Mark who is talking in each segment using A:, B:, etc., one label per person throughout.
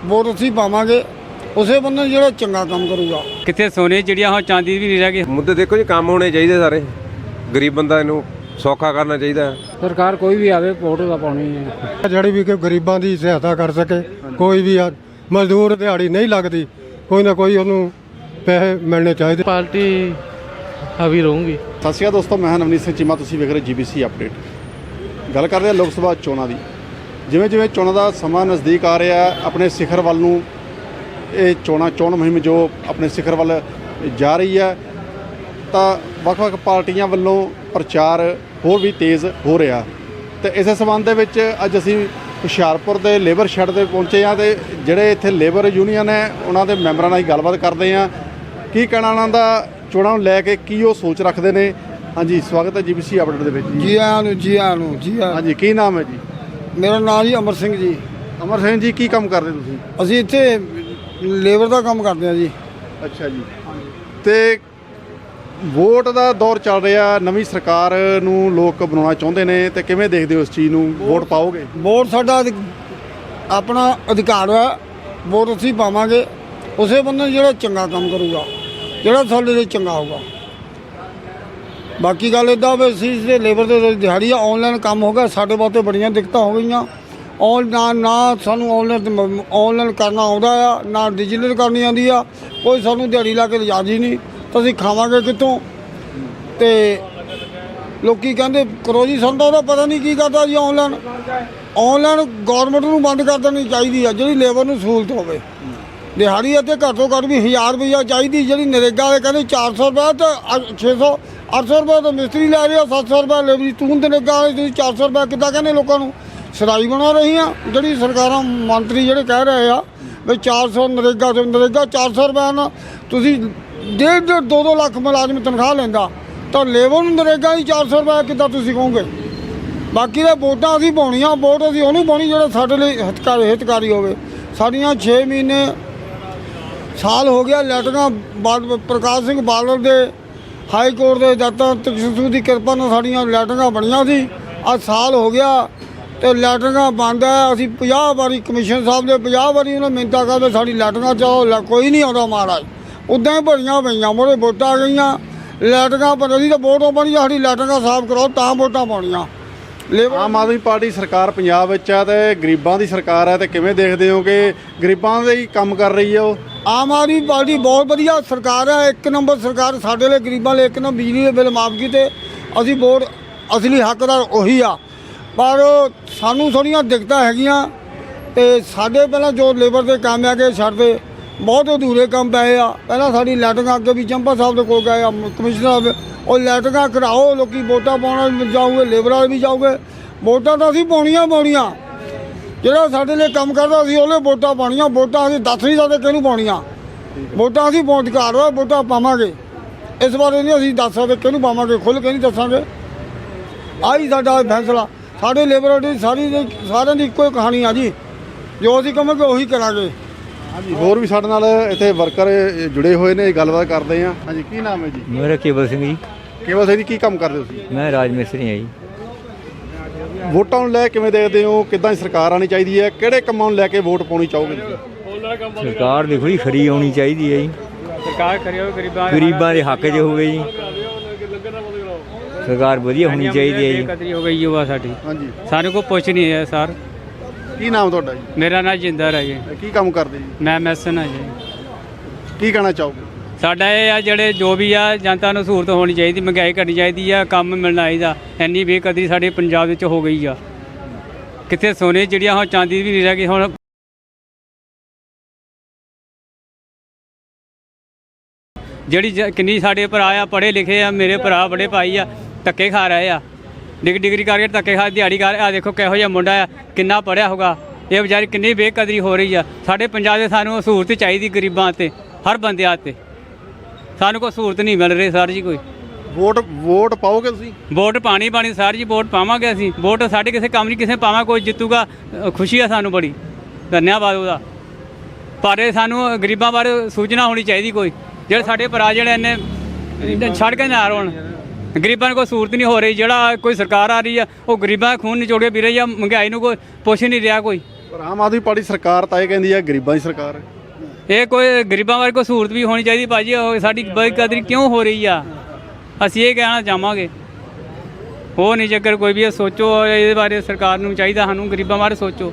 A: Vote ਅਸੀਂ ਪਾਵਾਂਗੇ ਉਸੇ ਬੰਦੇ ਨੂੰ ਜਿਹੜਾ ਚੰਗਾ ਕੰਮ ਕਰੂਗਾ।
B: ਕਿੱਥੇ ਸੋਨੇ ਜਿਹੜੀਆਂ ਹੁਣ ਚਾਂਦੀ ਵੀ ਨਹੀਂ ਰਹਿ ਗਈ।
C: ਮੁੱਦੇ ਦੇਖੋ ਜੀ, ਕੰਮ ਹੋਣੇ ਚਾਹੀਦੇ ਸਾਰੇ। ਗਰੀਬ ਬੰਦਾ ਇਹਨੂੰ ਸੌਖਾ ਕਰਨਾ ਚਾਹੀਦਾ।
D: ਸਰਕਾਰ ਕੋਈ ਵੀ ਆਵੇ ਵੋਟ ਤਾਂ ਪਾਉਣੀ ਹੈ,
E: ਜਿਹੜੀ ਵੀ ਕਿ ਗਰੀਬਾਂ ਦੀ ਸਹਾਇਤਾ ਕਰ ਸਕੇ। ਕੋਈ ਵੀ ਮਜ਼ਦੂਰ ਦਿਹਾੜੀ ਨਹੀਂ ਲੱਗਦੀ, ਕੋਈ ਨਾ ਕੋਈ ਉਹਨੂੰ ਪੈਸੇ ਮਿਲਣੇ ਚਾਹੀਦੇ।
D: ਪਾਰਟੀ ਹਾਵੀ ਰਹੂਗੀ।
F: ਸਤਿ ਸ਼੍ਰੀ ਅਕਾਲ ਦੋਸਤੋ, ਮੈਂ ਨਵਨੀਤ ਸਿੰਘ ਚੀਮਾ, ਤੁਸੀਂ ਵੇਖ ਰਹੇ GBC ਅਪਡੇਟ। ਗੱਲ ਕਰਦੇ ਹਾਂ ਲੋਕ ਸਭਾ ਚੋਣਾਂ ਦੀ। ਜਿਵੇਂ ਜਿਵੇਂ ਚੋਣਾਂ ਦਾ ਸਮਾਂ ਨਜ਼ਦੀਕ ਆ ਰਿਹਾ, ਆਪਣੇ ਸਿਖਰ ਵੱਲ ਨੂੰ ਇਹ ਚੋਣ ਮੁਹਿੰਮ ਜੋ ਆਪਣੇ ਸਿਖਰ ਵੱਲ ਜਾ ਰਹੀ ਹੈ, ਤਾਂ ਵੱਖ-ਵੱਖ ਪਾਰਟੀਆਂ ਵੱਲੋਂ ਪ੍ਰਚਾਰ ਹੋਰ ਵੀ ਤੇਜ਼ ਹੋ ਰਿਹਾ। ਤੇ ਇਸੇ ਸੰਬੰਧ ਦੇ ਵਿੱਚ ਅੱਜ ਅਸੀਂ ਹੁਸ਼ਿਆਰਪੁਰ ਦੇ ਲੇਬਰ ਸ਼ੈੱਡ ਤੇ ਪਹੁੰਚੇ ਹਾਂ ਤੇ ਜਿਹੜੇ ਇੱਥੇ ਲੇਬਰ ਯੂਨੀਅਨ ਹੈ ਉਹਨਾਂ ਦੇ ਮੈਂਬਰਾਂ ਨਾਲ ਹੀ ਗੱਲਬਾਤ ਕਰਦੇ ਹਾਂ। ਕੀ ਕਹਿਣਾ ਉਹਨਾਂ ਦਾ ਚੋਣਾਂ ਨੂੰ ਲੈ ਕੇ, ਕੀ ਉਹ ਸੋਚ ਰੱਖਦੇ ਨੇ। ਹਾਂਜੀ, ਸਵਾਗਤ ਹੈ GBC ਅਪਡੇਟ ਦੇ ਵਿੱਚ।
A: ਜੀ ਆਇਆਂ ਨੂੰ, ਜੀ ਆਇਆਂ ਨੂੰ, ਜੀ ਆਇਆਂ।
F: ਹਾਂਜੀ, ਕੀ ਨਾਮ ਹੈ ਜੀ?
A: ਮੇਰਾ ਨਾਮ ਜੀ ਅਮਰ ਸਿੰਘ ਜੀ।
F: ਅਮਰ ਸਿੰਘ ਜੀ, ਕੀ ਕੰਮ ਕਰਦੇ ਤੁਸੀਂ?
A: ਅਸੀਂ ਇੱਥੇ ਲੇਬਰ ਦਾ ਕੰਮ ਕਰਦੇ ਹਾਂ ਜੀ।
F: ਅੱਛਾ ਜੀ। ਤੇ ਵੋਟ ਦਾ ਦੌਰ ਚੱਲ ਰਿਹਾ, ਨਵੀਂ ਸਰਕਾਰ ਨੂੰ ਲੋਕ ਬਣਾਉਣਾ ਚਾਹੁੰਦੇ ਨੇ, ਤੇ ਕਿਵੇਂ ਦੇਖਦੇ ਹੋ ਇਸ ਚੀਜ਼ ਨੂੰ? ਵੋਟ ਪਾਓਗੇ?
A: ਵੋਟ ਸਾਡਾ ਆਪਣਾ ਅਧਿਕਾਰ ਹੈ। ਵੋਟ ਅਸੀਂ ਪਾਵਾਂਗੇ ਉਸੇ ਬੰਦੇ ਨੂੰ ਜਿਹੜਾ ਚੰਗਾ ਕੰਮ ਕਰੂਗਾ, ਜਿਹੜਾ ਸਾਡੇ ਲਈ ਚੰਗਾ ਹੋਊਗਾ। ਬਾਕੀ ਗੱਲ ਇੱਦਾਂ ਵੀ ਅਸੀਂ ਇਸ ਲੇਬਰ ਦੇ ਦਿਹਾੜੀ ਆਨਲਾਈਨ ਕੰਮ ਹੋ ਗਿਆ, ਸਾਡੇ ਵਾਸਤੇ ਬੜੀਆਂ ਦਿੱਕਤਾਂ ਹੋ ਗਈਆਂ। ਨਾ ਸਾਨੂੰ ਆਨਲਾਈਨ ਕਰਨਾ ਆਉਂਦਾ ਆ, ਨਾ ਡਿਜੀਟਲ ਕਰਨੀ ਆਉਂਦੀ ਆ। ਕੋਈ ਸਾਨੂੰ ਦਿਹਾੜੀ ਲਾ ਕੇ ਲਿਜਾ ਜੀ ਨਹੀਂ, ਤਾਂ ਅਸੀਂ ਖਾਵਾਂਗੇ ਕਿੱਥੋਂ? ਤੇ ਲੋਕੀ ਕਹਿੰਦੇ ਕਰੋ ਜੀ, ਸਾਨੂੰ ਤਾਂ ਉਹਦਾ ਪਤਾ ਨਹੀਂ ਕੀ ਕਰਦਾ ਜੀ। ਆਨਲਾਈਨ ਗੌਰਮੈਂਟ ਨੂੰ ਬੰਦ ਕਰ ਦੇਣੀ ਚਾਹੀਦੀ ਆ, ਜਿਹੜੀ ਲੇਬਰ ਨੂੰ ਸਹੂਲਤ ਹੋਵੇ। ਦਿਹਾੜੀ ਇੱਥੇ ਘੱਟ ਤੋਂ ਘੱਟ ਵੀ 1000 ਰੁਪਈਆ ਚਾਹੀਦੀ। ਜਿਹੜੀ ਨਰੇਗਾ ਵਾਲੇ ਕਹਿੰਦੇ 400 ਰੁਪਏ ਤੇ 600 800 ਰੁਪਏ ਤਾਂ ਮਿਸਤਰੀ ਲੈ ਰਿਹਾ, 700 ਰੁਪਏ ਲੇਬਰੀ। ਤੂੰ ਨਰੇਗਾ ਵਾਲੇ ਤੁਸੀਂ 400 ਰੁਪਏ ਕਿੱਦਾਂ ਕਹਿੰਦੇ ਲੋਕਾਂ ਨੂੰ? ਸਰਾਈ ਬਣਾ ਰਹੀ ਆ ਜਿਹੜੀ ਸਰਕਾਰਾਂ, ਮੰਤਰੀ ਜਿਹੜੇ ਕਹਿ ਰਹੇ ਆ ਵੀ 400 ਨਰੇਗਾ 400 ਰੁਪਏ ਨਾਲ ਤੁਸੀਂ 1.5 2 ਲੱਖ ਮੁਲਾਜ਼ਮ ਤਨਖਾਹ ਲੈਂਦਾ, ਤਾਂ ਲੇਬਰ ਨੂੰ ਨਰੇਗਾ ਹੀ 400 ਰੁਪਏ ਕਿੱਦਾਂ ਤੁਸੀਂ ਕਹੋਗੇ? ਬਾਕੀ ਦੇ ਵੋਟਾਂ ਅਸੀਂ ਪਾਉਣੀਆਂ, ਵੋਟ ਅਸੀਂ ਉਹਨੂੰ ਪਾਉਣੀ ਜਿਹੜਾ ਸਾਡੇ ਲਈ ਹਿਤਕਾਰੀ ਹੋਵੇ। ਸਾਡੀਆਂ 6 ਮਹੀਨੇ ਸਾਲ ਹੋ ਗਿਆ ਲੈਟਰਾਂ ਪ੍ਰਕਾਸ਼ ਸਿੰਘ ਬਾਦਲ ਦੇ ਹਾਈ ਕੋਰਟ ਦੇ ਜੱਜਾਂ ਤਕਸ਼ੂ ਦੀ ਕਿਰਪਾ ਨਾਲ ਸਾਡੀਆਂ ਲੈਟਰਾਂ ਬਣੀਆਂ ਸੀ। ਅੱਜ ਸਾਲ ਹੋ ਗਿਆ ਤੇ ਲੈਟਰਾਂ ਬੰਦ ਹੈ। ਅਸੀਂ 50 ਵਾਰੀ ਕਮਿਸ਼ਨ ਸਾਹਿਬ ਦੇ 50 ਵਾਰੀ ਉਹਨਾਂ ਮਿੰਤਾ ਕਰਦੇ ਸਾਡੀ ਲੈਟਰਾਂ ਚਾਹੋ, ਕੋਈ ਨਹੀਂ ਆਉਂਦਾ ਮਹਾਰਾਜ। ਉੱਦਾਂ ਹੀ ਭਰੀਆਂ ਪਈਆਂ, ਮੋਰੇ ਵੋਟਾਂ ਆ ਗਈਆਂ, ਲੈਟਰਾਂ ਬਣ ਰਹੀ ਤਾਂ ਵੋਟਾਂ ਬਣੀ, ਸਾਡੀ ਲੈਟਰਾਂ ਸਾਫ਼ ਕਰੋ ਤਾਂ ਵੋਟਾਂ ਪਾਉਣੀਆਂ।
F: ਆਮ ਆਦਮੀ ਪਾਰਟੀ ਸਰਕਾਰ ਪੰਜਾਬ ਵਿੱਚ ਆ ਤੇ ਗਰੀਬਾਂ ਦੀ ਸਰਕਾਰ ਹੈ, ਤੇ ਕਿਵੇਂ ਦੇਖਦੇ ਹੋ ਕਿ ਗਰੀਬਾਂ ਦੇ ਹੀ ਕੰਮ ਕਰ ਰਹੀ ਹੈ ਉਹ?
A: ਆਮ ਆਦਮੀ ਪਾਰਟੀ ਬਹੁਤ ਵਧੀਆ ਸਰਕਾਰ ਹੈ, 1 ਨੰਬਰ ਸਰਕਾਰ। ਸਾਡੇ ਲਈ ਗਰੀਬਾਂ ਲਈ 1 ਨੰਬਰ ਬਿਜਲੀ ਦੇ ਬਿੱਲ ਮਾਫ ਕੀਤੇ। ਅਸੀਂ ਵੋਟ ਅਸਲੀ ਹੱਕਦਾਰ ਉਹੀ ਆ, ਪਰ ਸਾਨੂੰ ਥੋੜ੍ਹੀਆਂ ਦਿੱਕਤਾਂ ਹੈਗੀਆਂ। ਤੇ ਸਾਡੇ ਪਹਿਲਾਂ ਜੋ ਲੇਬਰ ਦੇ ਕੰਮ ਹੈਗੇ ਛੱਡਦੇ ਬਹੁਤ ਅਧੂਰੇ ਕੰਮ ਪਏ ਆ। ਪਹਿਲਾਂ ਸਾਡੀ ਲੈਟਰਾਂ ਅੱਗੇ ਵੀ ਚੰਪਾ ਸਾਹਿਬ ਦੇ ਕੋਲ ਗਏ ਆ, ਕਮਿਸ਼ਨਰ ਸਾਹਿਬ, ਉਹ ਲੈਟਰਾਂ ਕਰਾਓ, ਲੋਕੀ ਵੋਟਾਂ ਪਾਉਣ ਜਾਊਗੇ, ਲੇਬਰ ਵਾਲੇ ਵੀ ਜਾਊਗੇ। ਵੋਟਾਂ ਤਾਂ ਅਸੀਂ ਪਾਉਣੀਆਂ। ਜਿਹੜਾ ਸਾਡੇ ਲਈ ਕੰਮ ਕਰਦਾ ਅਸੀਂ ਉਹਨੇ ਵੋਟਾਂ ਪਾਉਣੀਆਂ। ਵੋਟਾਂ ਅਸੀਂ ਦੱਸ ਨਹੀਂ ਸਕਦੇ ਕਿਹਨੂੰ ਪਾਉਣੀਆਂ। ਵੋਟਾਂ ਅਸੀਂ ਅਧਿਕਾਰ ਵਾ, ਵੋਟਾਂ ਪਾਵਾਂਗੇ। ਇਸ ਬਾਰੇ ਨਹੀਂ ਅਸੀਂ ਦੱਸ ਸਕਦੇ ਕਿਹਨੂੰ ਪਾਵਾਂਗੇ, ਖੁੱਲ੍ਹ ਕੇ ਨਹੀਂ ਦੱਸਾਂਗੇ। ਆਹੀ ਸਾਡਾ ਫੈਸਲਾ। ਸਾਡੇ ਲੇਬਰ ਦੀ ਸਾਰਿਆਂ ਦੀ ਇੱਕੋ ਹੀ ਕਹਾਣੀ ਆ ਜੀ, ਜੋ ਅਸੀਂ ਕਹਾਂਗੇ ਉਹੀ ਕਰਾਂਗੇ।
F: ਹਾਂਜੀ, ਹੋਰ ਵੀ ਸਾਡੇ ਨਾਲ ਇੱਥੇ ਵਰਕਰ ਜੁੜੇ ਹੋਏ ਨੇ, ਗੱਲਬਾਤ ਕਰਦੇ ਹਾਂ। ਹਾਂਜੀ, ਕੀ ਨਾਮ ਹੈ ਜੀ?
G: ਮੇਰਾ ਕੇਵਲ ਸਿੰਘ ਜੀ।
F: ਕੇਵਲ ਸਿੰਘ ਜੀ, ਕੀ ਕੰਮ ਕਰਦੇ ਹੋ ਤੁਸੀਂ?
G: ਮੈਂ ਰਾਜ ਮਿਸਤਰੀ ਹਾਂ ਜੀ।
F: ਵੋਟਾਂ ਨੂੰ ਲੈ ਕਿਵੇਂ ਦੇਖਦੇ ਹੋ? ਕਿੱਦਾਂ ਦੀ ਸਰਕਾਰ ਆਉਣੀ ਚਾਹੀਦੀ ਹੈ? ਕਿਹੜੇ ਕੰਮਾਂ ਨੂੰ ਲੈ ਕੇ ਵੋਟ ਪਾਉਣੀ ਚਾਹੋਗੇ ਤੁਸੀਂ?
G: ਸਰਕਾਰ ਦੇਖੋ ਜੀ ਖਰੀ ਆਉਣੀ ਚਾਹੀਦੀ ਹੈ ਜੀ।
B: ਸਰਕਾਰ ਕਰਿਓ
G: ਗਰੀਬਾਂ ਦੇ ਹੱਕ 'ਚ ਹੋਵੇ ਜੀ। ਸਰਕਾਰ ਵਧੀਆ ਹੋਣੀ ਚਾਹੀਦੀ ਹੈ ਜੀ।
B: ਕਦਰੀ ਹੋ ਗਈ ਯੁਵਾ ਸਾਡੀ।
F: ਹਾਂਜੀ,
B: ਸਾਨੂੰ ਕੋਈ ਪੁੱਛ ਨਹੀਂ ਹੈ ਸਰ।
F: ਕੀ ਨਾਮ ਤੁਹਾਡਾ ਜੀ?
B: ਮੇਰਾ ਨਾਮ ਜਿੰਦਰ ਹੈ ਜੀ।
F: ਕੀ ਕੰਮ ਕਰਦੇ ਜੀ?
B: ਮੈਂ ਮੈਸਨ ਹਾਂ ਜੀ।
F: ਕੀ ਕਹਿਣਾ ਚਾਹੋਗੇ?
B: ਸਾਡਾ ਇਹ ਆ ਜਿਹੜੇ ਜੋ ਵੀ ਆ ਜਨਤਾ ਨੂੰ ਸਹੂਲਤ ਹੋਣੀ ਚਾਹੀਦੀ, ਮਹਿੰਗਾਈ ਘਟਣੀ ਚਾਹੀਦੀ ਆ, ਕੰਮ ਮਿਲਣਾ ਚਾਹੀਦਾ। ਇੰਨੀ ਬੇਕਦਰੀ ਸਾਡੇ ਪੰਜਾਬ ਵਿੱਚ ਹੋ ਗਈ ਆ। ਕਿੱਥੇ ਸੋਨੇ ਜਿਹੜੀਆਂ ਹੁਣ ਚਾਂਦੀ ਵੀ ਨਹੀਂ ਰਹਿ ਗਈ। ਹੁਣ ਜਿਹੜੀ ਕਿੰਨੀ ਸਾਡੇ ਭਰਾ ਆ ਪੜ੍ਹੇ ਲਿਖੇ ਆ, ਮੇਰੇ ਭਰਾ ਬੜੇ ਭਾਈ ਆ, ਧੱਕੇ ਖਾ ਰਹੇ ਆ। ਡਿਗਰੀ ਕਰਕੇ ਧੱਕੇ ਖਾ, ਦਿਹਾੜੀ ਕਰ। ਆ ਦੇਖੋ ਕਿਹੋ ਜਿਹਾ ਮੁੰਡਾ ਆ, ਕਿੰਨਾ ਪੜ੍ਹਿਆ ਹੋਗਾ। ਇਹ ਵਿਚਾਰੀ ਕਿੰਨੀ ਬੇਕਦਰੀ ਹੋ ਰਹੀ ਆ। ਸਾਡੇ ਪੰਜਾਬ ਦੇ ਸਾਨੂੰ ਸਹੂਲਤ ਚਾਹੀਦੀ, ਗਰੀਬਾਂ 'ਤੇ, ਹਰ ਬੰਦਿਆਂ 'ਤੇ। ਸਾਨੂੰ ਕੋਈ ਸਹੂਲਤ ਨਹੀਂ ਮਿਲ ਰਹੀ ਸਰ ਜੀ। ਕੋਈ
F: ਵੋਟ ਪਾਓਗੇ ਤੁਸੀਂ?
B: ਵੋਟ ਪਾਣੀ ਸਰ ਜੀ, ਵੋਟ ਪਾਵਾਂਗੇ ਅਸੀਂ। ਵੋਟ ਸਾਡੇ ਕਿਸੇ ਕੰਮ ਨਹੀਂ, ਕਿਸੇ ਪਾਵਾਂ ਕੋਈ ਜਿੱਤੂਗਾ, ਖੁਸ਼ੀ ਆ ਸਾਨੂੰ ਬੜੀ, ਧੰਨਵਾਦ ਉਹਦਾ। ਪਰ ਇਹ ਸਾਨੂੰ ਗਰੀਬਾਂ ਬਾਰੇ ਸੂਚਨਾ ਹੋਣੀ ਚਾਹੀਦੀ ਕੋਈ, ਜਿਹੜੇ ਸਾਡੇ ਭਰਾ ਜਿਹੜੇ ਇੰਨੇ ਛੱਡ ਕੇ ਨਾ ਰੋਣ। ਗਰੀਬਾਂ ਨੂੰ ਕੋਈ ਸਹੂਲਤ ਨਹੀਂ ਹੋ ਰਹੀ। ਜਿਹੜਾ ਕੋਈ ਸਰਕਾਰ ਆ ਰਹੀ ਆ ਉਹ ਗਰੀਬਾਂ ਦਾ ਖੂਨ ਨਿਚੋੜ ਕੇ ਪੀ ਰਹੀ ਆ। ਮਹਿੰਗਾਈ ਨੂੰ ਕੋਈ ਪੁੱਛ ਨਹੀਂ ਰਿਹਾ ਕੋਈ।
F: ਪਰ ਆਮ ਆਦਮੀ ਪਾਰਟੀ ਸਰਕਾਰ ਤਾਂ ਇਹ ਕਹਿੰਦੀ ਹੈ ਗਰੀਬਾਂ ਦੀ ਸਰਕਾਰ ਹੈ।
B: ਇਹ ਕੋਈ ਗਰੀਬਾਂ ਬਾਰੇ ਕੋਈ ਸਹੂਲਤ ਵੀ ਹੋਣੀ ਚਾਹੀਦੀ ਭਾਜੀ। ਉਹ ਸਾਡੀ ਬੇਕਦਰੀ ਕਿਉਂ ਹੋ ਰਹੀ ਆ, ਅਸੀਂ ਇਹ ਕਹਿਣਾ ਚਾਹਾਂਗੇ। ਹੋ ਨਹੀਂ ਚੱਕਰ ਕੋਈ ਵੀ, ਇਹ ਸੋਚੋ ਇਹਦੇ ਬਾਰੇ। ਸਰਕਾਰ ਨੂੰ ਚਾਹੀਦਾ ਸਾਨੂੰ ਗਰੀਬਾਂ ਬਾਰੇ ਸੋਚੋ।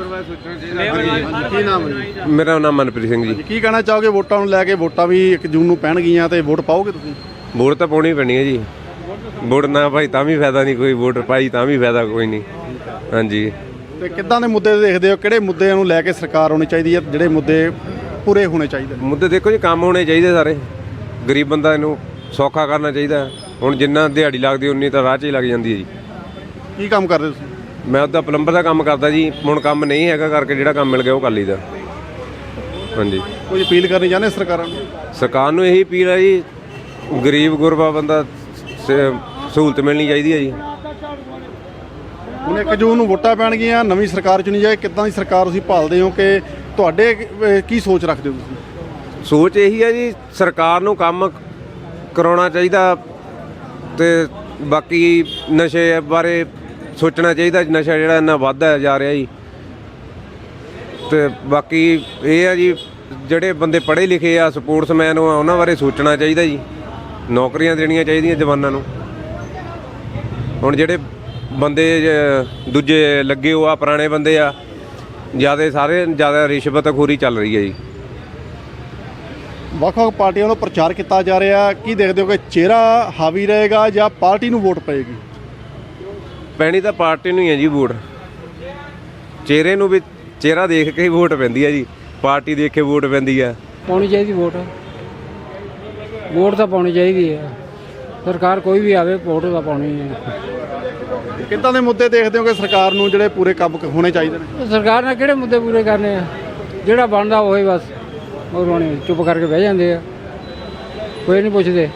F: ਕੀ ਨਾਮ ਹੈ ਜੀ?
C: ਮੇਰਾ ਨਾਮ ਮਨਪ੍ਰੀਤ ਸਿੰਘ ਜੀ।
F: ਕੀ ਕਹਿਣਾ ਚਾਹੋਗੇ ਵੋਟਾਂ ਨੂੰ ਲੈ ਕੇ? ਵੋਟਾਂ ਵੀ 1 ਜੂਨ ਨੂੰ ਪੈਣਗੀਆਂ ਤੇ ਵੋਟ ਪਾਓਗੇ ਤੁਸੀਂ?
C: ਵੋਟ ਤਾਂ ਪਾਉਣੀ ਪੈਣੀ ਹੈ ਜੀ। ਵੋਟ ਨਾ ਭਾਈ ਤਾਂ ਵੀ ਫਾਇਦਾ ਨਹੀਂ ਕੋਈ, ਵੋਟ ਪਾਈ ਤਾਂ ਵੀ ਫਾਇਦਾ ਕੋਈ ਨਹੀਂ। ਹਾਂਜੀ।
F: ਤੇ ਕਿੱਦਾਂ ਦੇ ਮੁੱਦੇ ਦੇਖਦੇ ਹੋ? ਕਿਹੜੇ ਮੁੱਦਿਆਂ ਨੂੰ ਲੈ ਕੇ ਸਰਕਾਰ ਹੋਣੀ ਚਾਹੀਦੀ ਹੈ? ਜਿਹੜੇ ਮੁੱਦੇ ਪੂਰੇ ਹੋਣੇ ਚਾਹੀਦੇ ਨੇ?
C: ਮੁੱਦੇ ਦੇਖੋ ਜੀ, ਕੰਮ ਹੋਣੇ ਚਾਹੀਦੇ ਸਾਰੇ। ਗਰੀਬ ਬੰਦਾ ਇਹਨੂੰ ਸੌਖਾ ਕਰਨਾ ਚਾਹੀਦਾ। ਹੁਣ ਜਿੰਨਾ ਦਿਹਾੜੀ ਲੱਗਦੀ ਉਨੀ ਤਾਂ ਰਾਹ 'ਚ ਹੀ ਲੱਗ ਜਾਂਦੀ ਹੈ ਜੀ।
F: ਕੀ ਕੰਮ ਕਰਦੇ ਤੁਸੀਂ?
C: ਮੈਂ ਉਹਦਾ ਪਲੰਬਰ ਦਾ ਕੰਮ ਕਰਦਾ ਜੀ। ਹੁਣ ਕੰਮ ਨਹੀਂ ਹੈਗਾ ਕਰਕੇ ਜਿਹੜਾ ਕੰਮ ਮਿਲ ਗਿਆ ਉਹ ਕਰ ਲਈਦਾ। ਹਾਂਜੀ।
F: ਕੋਈ ਅਪੀਲ ਕਰਨੀ ਚਾਹੁੰਦੇ ਸਰਕਾਰਾਂ ਨੂੰ?
C: ਸਰਕਾਰ ਨੂੰ ਇਹੀ ਅਪੀਲ ਹੈ ਜੀ, ਗਰੀਬ ਗੁਰਬਾ ਬੰਦਾ ਸਹੂਲਤ ਮਿਲਣੀ ਚਾਹੀਦੀ ਹੈ ਜੀ।
F: ਹੁਣ 1 ਜੂਨ ਨੂੰ ਵੋਟਾਂ ਪੈਣਗੀਆਂ, ਨਵੀਂ ਸਰਕਾਰ ਚੁਣੀ ਜਾਏ। ਕਿੱਦਾਂ ਦੀ ਸਰਕਾਰ ਤੁਸੀਂ ਭਾਲਦੇ ਹੋ? ਕਿ ਤੁਹਾਡੇ ਕੀ ਸੋਚ ਰੱਖਦੇ ਹੋ ਤੁਸੀਂ?
C: ਸੋਚ ਇਹੀ ਹੈ ਜੀ, ਸਰਕਾਰ ਨੂੰ ਕੰਮ ਕਰਾਉਣਾ ਚਾਹੀਦਾ ਤੇ ਬਾਕੀ ਨਸ਼ੇ ਬਾਰੇ ਸੋਚਣਾ ਚਾਹੀਦਾ। ਨਸ਼ਾ ਜਿਹੜਾ ਇੰਨਾ ਵੱਧਦਾ ਜਾ ਰਿਹਾ ਜੀ। ਤੇ ਬਾਕੀ ਇਹ ਹੈ ਜੀ, ਜਿਹੜੇ ਬੰਦੇ ਪੜ੍ਹੇ ਲਿਖੇ ਆ, ਸਪੋਰਟਸਮੈਨ ਆ, ਉਹਨਾਂ ਬਾਰੇ ਸੋਚਣਾ ਚਾਹੀਦਾ ਜੀ। ਨੌਕਰੀਆਂ ਦੇਣੀਆਂ ਚਾਹੀਦੀਆਂ ਜਵਾਨਾਂ ਨੂੰ। ਹੁਣ ਜਿਹੜੇ ਬੰਦੇ ਦੂਜੇ ਲੱਗੇ ਹੋ ਆ, ਪੁਰਾਣੇ ਬੰਦੇ ਆ, ਜ਼ਿਆਦਾ ਰਿਸ਼ਵਤਖੋਰੀ ਚੱਲ ਰਹੀ ਹੈ ਜੀ।
F: ਵੱਖ-ਵੱਖ ਪਾਰਟੀਆਂ ਵੱਲੋਂ ਪ੍ਰਚਾਰ ਕੀਤਾ ਜਾ ਰਿਹਾ। ਕੀ ਦੇਖਦੇ ਹੋ ਕਿ ਚਿਹਰਾ ਹਾਵੀ ਰਹੇਗਾ ਜਾਂ ਪਾਰਟੀ ਨੂੰ ਵੋਟ ਪਏਗੀ?
C: ਪੈਣੀ ਤਾਂ ਪਾਰਟੀ ਨੂੰ ਹੀ ਹੈ ਜੀ ਵੋਟ। ਚਿਹਰੇ ਨੂੰ ਵੀ, ਚਿਹਰਾ ਦੇਖ ਕੇ ਹੀ ਵੋਟ ਪੈਂਦੀ ਹੈ ਜੀ। ਪਾਰਟੀ ਦੇਖ ਕੇ ਵੋਟ ਪੈਂਦੀ ਆ।
D: ਪਾਉਣੀ ਚਾਹੀਦੀ ਵੋਟ। ਵੋਟ ਤਾਂ ਪਾਉਣੀ ਚਾਹੀਦੀ ਹੈ। ਸਰਕਾਰ ਕੋਈ ਵੀ ਆਵੇ, ਵੋਟ ਤਾਂ ਪਾਉਣੀ ਹੈ।
F: ਕਿੱਦਾਂ ਦੇ ਮੁੱਦੇ ਦੇਖਦੇ ਹੋ ਕਿ ਸਰਕਾਰ ਨੂੰ ਜਿਹੜੇ ਪੂਰੇ ਕੰਮ ਹੋਣੇ ਚਾਹੀਦੇ ਨੇ?
D: ਸਰਕਾਰ ਨੇ ਕਿਹੜੇ ਮੁੱਦੇ ਪੂਰੇ ਕਰਨੇ ਆ? ਜਿਹੜਾ ਬਣਦਾ ਉਹੀ ਬਸ ਉਹ ਹੋਣੇ, ਚੁੱਪ ਕਰਕੇ ਬਹਿ ਜਾਂਦੇ ਆ, ਕੋਈ ਨਹੀਂ ਪੁੱਛਦੇ।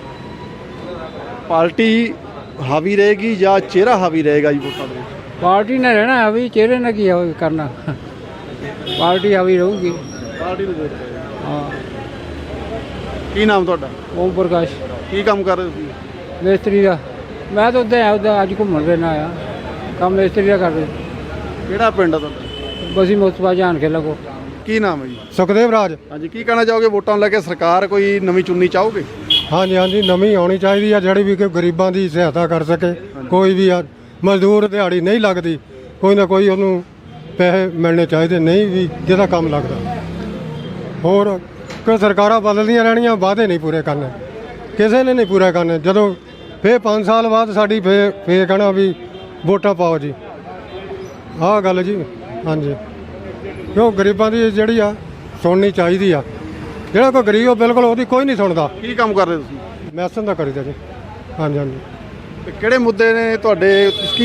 F: ਪਾਰਟੀ ਹਾਵੀ ਰਹੇਗੀ ਜਾਂ ਚਿਹਰਾ ਹਾਵੀ ਰਹੇਗਾ ਜੀ ਵੋਟਾਂ ਦੇ ਵਿੱਚ?
D: ਪਾਰਟੀ ਨੇ ਰਹਿਣਾ ਹਾਵੀ, ਚਿਹਰੇ ਨਾਲ ਕੀ ਕਰਨਾ। ਪਾਰਟੀ ਹਾਵੀ ਰਹੂਗੀ।
F: ਪਾਰਟੀ ਨੂੰ ਵੋਟ
D: ਹਾਂ।
F: ਕੀ ਨਾਮ ਤੁਹਾਡਾ?
D: ਓਮ ਪ੍ਰਕਾਸ਼,
F: ਕੀ ਕੰਮ ਕਰ ਰਹੇ ਹੋ ਤੁਸੀਂ?
D: ਮਿਸਤਰੀ ਦਾ। ਮੈਂ ਤਾਂ ਉੱਦਾਂ ਅੱਜ ਘੁੰਮਣ ਫਿਰਨ ਆਇਆ, ਕੰਮ ਮਿਸਤਰੀ ਦਾ ਕਰਦੇ।
F: ਕਿਹੜਾ ਪਿੰਡ ਆ ਤੁਹਾਡਾ?
D: ਬਸੀ ਮੁਸਤਫਾ ਜਾਨ ਕੇ ਲੱਗੋ।
F: ਕੀ ਨਾਮ ਹੈ ਜੀ?
E: ਸੁਖਦੇਵ ਰਾਜ।
F: ਹਾਂਜੀ। ਕੀ ਕਹਿਣਾ ਚਾਹੋਗੇ ਵੋਟਾਂ ਨੂੰ ਲੈ ਕੇ? ਸਰਕਾਰ ਕੋਈ ਨਵੀਂ ਚੁਣਨੀ ਚਾਹੋਗੇ?
E: ਹਾਂਜੀ ਹਾਂਜੀ, ਨਵੀਂ ਆਉਣੀ ਚਾਹੀਦੀ ਆ, ਜਿਹੜੀ ਵੀ ਕੋਈ ਗਰੀਬਾਂ ਦੀ ਸਹਾਇਤਾ ਕਰ ਸਕੇ। ਕੋਈ ਵੀ ਆ, ਮਜ਼ਦੂਰ ਦਿਹਾੜੀ ਨਹੀਂ ਲੱਗਦੀ, ਕੋਈ ਨਾ ਕੋਈ ਉਹਨੂੰ ਪੈਸੇ ਮਿਲਣੇ ਚਾਹੀਦੇ। ਨਹੀਂ ਵੀ ਜਿਹਦਾ ਕੰਮ ਲੱਗਦਾ। ਹੋਰ ਕੋਈ ਸਰਕਾਰਾਂ ਬਦਲਦੀਆਂ ਰਹਿਣੀਆਂ, ਵਾਅਦੇ ਨਹੀਂ ਪੂਰੇ ਕਰਨੇ, ਕਿਸੇ ਨੇ ਨਹੀਂ ਪੂਰਾ ਕਰਨੇ। ਜਦੋਂ ਫੇਰ 5 ਸਾਲ ਬਾਅਦ ਸਾਡੀ ਫੇਰ ਕਹਿਣਾ ਵੀ ਵੋਟਾਂ ਪਾਓ ਜੀ। ਆਹ ਗੱਲ ਜੀ। ਹਾਂਜੀ। ਕਿਉਂ ਗਰੀਬਾਂ ਦੀ ਜਿਹੜੀ ਆ ਸੁਣਨੀ ਚਾਹੀਦੀ ਆ। ਜਿਹੜਾ ਕੋਈ ਗਰੀਬ ਬਿਲਕੁਲ ਉਹਦੀ ਕੋਈ ਨਹੀਂ ਸੁਣਦਾ।
F: ਕੀ ਕੰਮ ਕਰਦੇ ਤੁਸੀਂ?
E: ਮੈਸਨ ਦਾ ਕਰੀਦਾ ਜੀ। ਹਾਂਜੀ ਹਾਂਜੀ।
F: ਤੇ ਕਿਹੜੇ ਮੁੱਦੇ ਨੇ ਤੁਹਾਡੇ? ਕੀ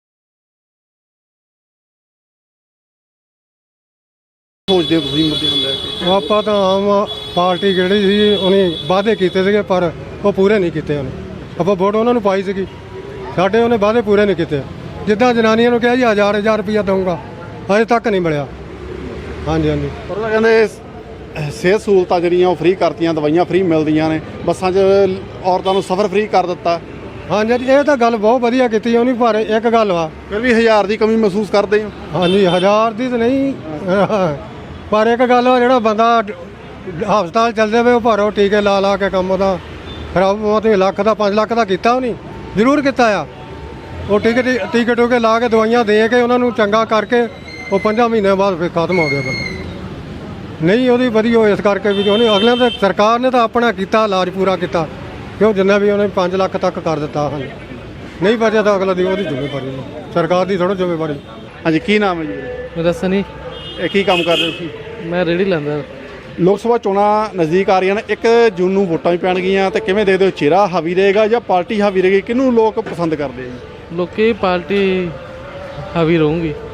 F: ਸੋਚਦੇ ਹੋ ਤੁਸੀਂ ਮੁੱਦਿਆਂ ਨੂੰ ਲੈ ਕੇ?
E: ਆਪਾਂ ਤਾਂ ਆਮ ਪਾਰਟੀ ਜਿਹੜੀ ਸੀ ਉਹਨੇ ਵਾਅਦੇ ਕੀਤੇ ਸੀਗੇ, ਪਰ ਉਹ ਪੂਰੇ ਨਹੀਂ ਕੀਤੇ ਉਹਨੇ। ਆਪਾਂ ਵੋਟ ਉਹਨਾਂ ਨੂੰ ਪਾਈ ਸੀਗੀ, ਸਾਡੇ ਉਹਨੇ ਵਾਅਦੇ ਪੂਰੇ ਨਹੀਂ ਕੀਤੇ। ਜਿੱਦਾਂ ਜਨਾਨੀਆਂ ਨੂੰ ਕਿਹਾ ਜੀ 1000 ਰੁਪਇਆ ਦਊਂਗਾ, ਅਜੇ ਤੱਕ ਨਹੀਂ ਮਿਲਿਆ। ਹਾਂਜੀ ਹਾਂਜੀ।
F: ਪਰ ਉਹ ਕਹਿੰਦੇ ਸਿਹਤ ਸਹੂਲਤਾਂ ਜਿਹੜੀਆਂ ਉਹ ਫ੍ਰੀ ਕਰਤੀਆਂ, ਦਵਾਈਆਂ ਫ੍ਰੀ ਮਿਲਦੀਆਂ ਨੇ, ਬੱਸਾਂ 'ਚ ਔਰਤਾਂ ਨੂੰ ਸਫ਼ਰ ਫ੍ਰੀ ਕਰ ਦਿੱਤਾ।
E: ਹਾਂਜੀ ਹਾਂਜੀ, ਇਹ ਤਾਂ ਗੱਲ ਬਹੁਤ ਵਧੀਆ ਕੀਤੀ ਉਹਨੇ, ਪਰ ਇੱਕ ਗੱਲ ਵਾ,
F: ਫਿਰ ਵੀ 1000 ਦੀ ਕਮੀ ਮਹਿਸੂਸ ਕਰਦੇ ਹੋ?
E: ਹਾਂਜੀ 1000 ਦੀ ਤਾਂ ਨਹੀਂ, ਪਰ ਇੱਕ ਗੱਲ ਵਾ, ਜਿਹੜਾ ਬੰਦਾ ਹਸਪਤਾਲ ਚੱਲਦੇ ਵੇ ਉਹ ਭਾਰੋ ਟੀਕੇ ਲਾ ਲਾ ਕੇ ਕੰਮ ਉਹਦਾ ਖਰਾਬ। ਉਹ ਤੇ ਲੱਖ ਦਾ 5 ਲੱਖ ਦਾ ਕੀਤਾ ਉਹਨੇ, ਜ਼ਰੂਰ ਕੀਤਾ ਆ। ਉਹ ਟੀਕੇ ਟੂਕੇ ਲਾ ਕੇ ਦਵਾਈਆਂ ਦੇ ਕੇ ਉਹਨਾਂ ਨੂੰ ਚੰਗਾ ਕਰਕੇ ਉਹ 5 ਮਹੀਨਿਆਂ ਬਾਅਦ ਫਿਰ ਖਤਮ ਹੋ ਗਿਆ ਬੰਦਾ। ਨਹੀਂ ਉਹਦੀ ਵਧੀਆ ਇਸ ਕਰਕੇ ਵੀ ਉਹਨੇ ਅਗਲਿਆਂ ਤੇ ਸਰਕਾਰ ਨੇ ਤਾਂ ਆਪਣਾ ਕੀਤਾ, ਇਲਾਜ ਪੂਰਾ ਕੀਤਾ। ਕਿਉਂ ਜਿੰਨਾ ਵੀ ਉਹਨੇ 5 ਲੱਖ ਤੱਕ ਕਰ ਦਿੱਤਾ। ਹਾਂਜੀ। ਨਹੀਂ ਬਚਿਆ ਤਾਂ ਅਗਲਾ ਦੀ ਉਹਦੀ ਜ਼ਿੰਮੇਵਾਰੀ ਨਹੀਂ, ਸਰਕਾਰ ਦੀ ਥੋੜ੍ਹਾ ਜ਼ਿੰਮੇਵਾਰੀ।
F: ਹਾਂਜੀ। ਕੀ ਨਾਮ ਹੈ ਜੀ?
D: ਮੈਂ ਦੱਸਾਂ ਨਹੀਂ,
F: ਇਹ ਕੀ ਕੰਮ ਕਰਦੇ ਤੁਸੀਂ?
D: ਮੈਂ ਰੇਹੜੀ ਲਾਉਂਦਾ।
F: ਲੋਕ ਸਭਾ ਚੋਣਾਂ ਨਜ਼ਦੀਕ ਆ ਰਹੀਆਂ ਨੇ। 1 ਜੂਨ ਨੂੰ ਵੋਟਾਂ ਵੀ ਪੈਣਗੀਆਂ ਤੇ ਕਿਵੇਂ ਦੇਖਦੇ ਹੋ? ਚਿਹਰਾ ਹਾਵੀ ਰਹੇਗਾ ਜਾਂ ਪਾਰਟੀ ਹਾਵੀ ਰਹੇਗੀ? ਕਿਹਨੂੰ ਲੋਕ ਪਸੰਦ ਕਰਦੇ ਆ ਜੀ?
D: ਲੋਕੀ ਪਾਰਟੀ ਹਾਵੀ ਰਹੂਗੀ।